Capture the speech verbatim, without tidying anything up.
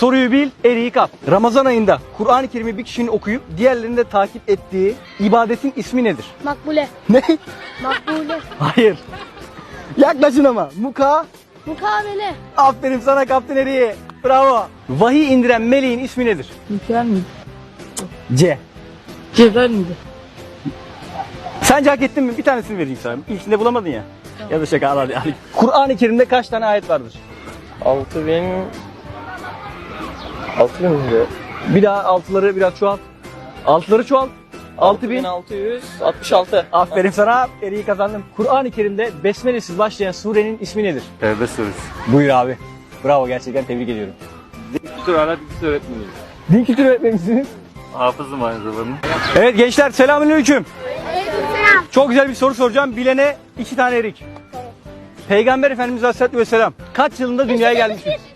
Soruyu bil, eriği kap. Ramazan ayında Kur'an-ı Kerim'i bir kişinin okuyup diğerlerinin de takip ettiği ibadetin ismi nedir? Makbule. Ne? Makbule. Hayır. Yaklaşın ama. Muka. Mukabele. Aferin sana kaptın eriği. Bravo. Vahiy indiren meleğin ismi nedir? Mikael miydi? C. Cebrail miydi? Sence hak ettin mi? Bir tanesini vereyim sana. İlkinde bulamadın ya. Ya da şaka al hadi. hadi. Kur'an-ı Kerim'de kaç tane ayet vardır? altı bin... altı bin miydi? Bir daha altıları biraz çoğalt. Altıları çoğalt. altı bin. altı yüz altmış altı. Aferin sana. Eriği kazandım. Kur'an-ı Kerim'de besmelesiz başlayan surenin ismi nedir? Tevbe suresi. Buyur abi. Bravo, gerçekten tebrik ediyorum. Din kültürü hala bilgisi öğretmeniyiz. Din kültürü öğretmenisiniz. Hafızım aynı zamanda. Evet gençler, selamünaleyküm. Çok güzel bir soru soracağım. Bilene iki tane erik. Peygamber Efendimiz Aleyhisselatü Vesselam kaç yılında dünyaya gelmiştir?